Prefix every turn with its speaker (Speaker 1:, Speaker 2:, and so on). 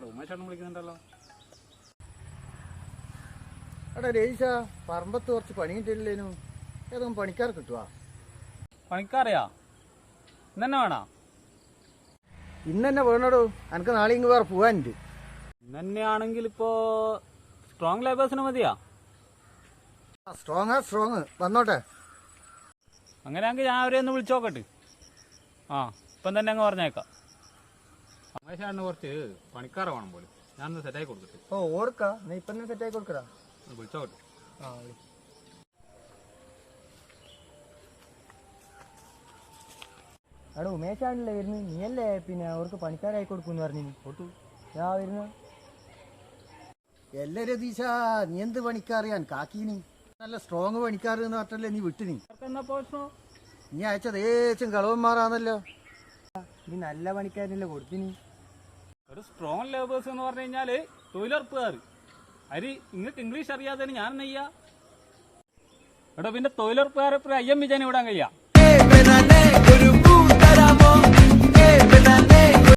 Speaker 1: ഉമേഷാണ് വിളിക്കുന്നുണ്ടല്ലോ.
Speaker 2: എടാ രേശ, പറമ്പത്ത് കുറച്ച് പണി കിട്ടില്ലേനു, ഏതെങ്കിലും പണിക്കാർ കിട്ടുവാ?
Speaker 1: പണിക്കാറിയാ ഇന്നെ വേണോ?
Speaker 2: ഇന്ന് തന്നെ വേണോടോ, എനിക്ക് നാളെ ഇങ്ങ് വേറെ പോവാനുണ്ട്.
Speaker 1: ഇന്നെയാണെങ്കിൽ ഇപ്പോ സ്ട്രോങ് ലേബേഴ്സിന് മതിയാ?
Speaker 2: സ്ട്രോങ് വന്നോട്ടെ.
Speaker 1: അങ്ങനെയാണെങ്കിൽ ഞാൻ അവരെ ഒന്ന് വിളിച്ചു നോക്കട്ടെ. ഇപ്പം തന്നെ അങ്ങ് പറഞ്ഞേക്കാം. ഉമേഷാണ് കുറച്ച് പണിക്കാരെ വേണം പോലും. ഞാനൊന്ന് സെറ്റാക്കി കൊടുക്കട്ടെ.
Speaker 2: ഓർക്കാ, നീ ഇപ്പം തന്നെ സെറ്റാക്കി കൊടുക്കടാ.
Speaker 1: വിളിച്ചോട്ടെ.
Speaker 2: എടാ ഉമേഷാണല്ലേ വരുന്നത്, നീയല്ലേ പിന്നെ അവർക്ക് പണിക്കാരായി കൊടുക്കുമെന്ന് പറഞ്ഞു. ഞാൻ വരുന്ന എല്ലാ രതീശ, നീ എന്ത് പണിക്കാറിയാൻ കാക്കീനി? നല്ല സ്ട്രോങ് പണിക്കാർ എന്ന് പറഞ്ഞല്ലേ നീ വിട്ടു. നീ അയച്ചത് ഏച്ചും കളവന്മാരാണല്ലോ. നീ നല്ല പണിക്കാരനല്ലേ കൊടുത്തിനി.
Speaker 1: ഒരു സ്ട്രോങ് ലേബേഴ്സ് എന്ന് പറഞ്ഞു കഴിഞ്ഞാല് തൊഴിലുറപ്പുകാർ. അരി നിങ്ങൾക്ക് ഇംഗ്ലീഷ് അറിയാതെ ഞാൻ നെയ്യാ എടോ, പിന്നെ തൊഴിലുറപ്പുകാരെ അയ്യം വിജയൻ വിടാൻ കഴിയാ.